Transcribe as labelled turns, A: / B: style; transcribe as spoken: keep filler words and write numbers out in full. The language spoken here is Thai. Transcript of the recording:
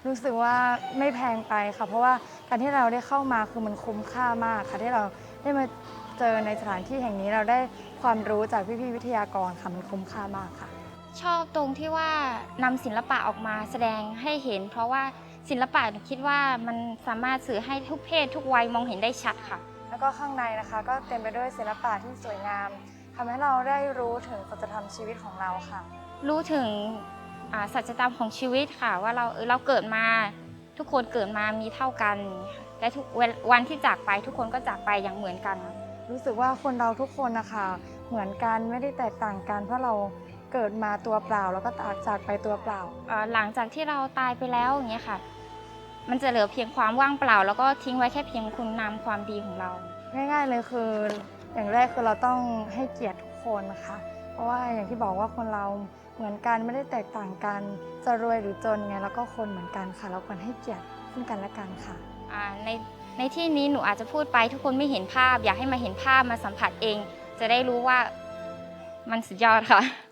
A: รู้สึกว่าไม่แพงไปค่ะเพราะว่าการที่เราได้เข้ามาคือมันคุ้มค่ามากค่ะที่เราได้มาเจอในสถานที่แห่งนี้เราได้ความรู้จากพี่ๆวิทยากรค่ะมันคุ้มค่ามากค่ะ
B: ชอบตรงที่ว่านำศิลปะออกมาแสดงให้เห็นเพราะว่าศิลปะหนูคิดว่ามันสามารถสื่อให้ทุกเพศทุกวัยมองเห็นได้ชัดค่ะ
A: แล้วก็ข้างในนะคะก็เต็มไปด้วยศิลปะที่สวยงามทำให้เราได้รู้ถึงสัจธรรมชีวิตของเราค่ะ
B: รู้ถึงอ่าสัจธรรมของชีวิตค่ะว่าเราเออเราเกิดมาทุกคนเกิดมามีเท่ากันค่ะและทุกวันที่จากไปทุกคนก็จากไปอย่างเหมือนกัน
A: รู้สึกว่าคนเราทุกคนนะคะเหมือนกันไม่ได้แตกต่างกันเพราะเราเกิดมาตัวเปล่าแล้วก็จากไปตัวเปล่า
B: อ่าหลังจากที่เราตายไปแล้วอย่างเงี้ยค่ะมันจะเหลือเพียงความว่างเปล่าแล้วก็ทิ้งไว้แค่เพียงคุณงามความดีของเรา
A: ง่ายๆเลยคืออย่างแรกคือเราต้องให้เกียรติทุกคนนะคะเพราะว่าอย่างที่บอกว่าคนเราเหมือนกันไม่ได้แตกต่างกันจะรวยหรือจนไงแล้วก็คนเหมือนกันค่ะเราควรให้เกียรติซึ่งกันและกันค่ะ
B: อ่าในในที่นี้หนูอาจจะพูดไปทุกคนไม่เห็นภาพอยากให้มาเห็นภาพมาสัมผัสเองจะได้รู้ว่ามันสุดยอดค่ะ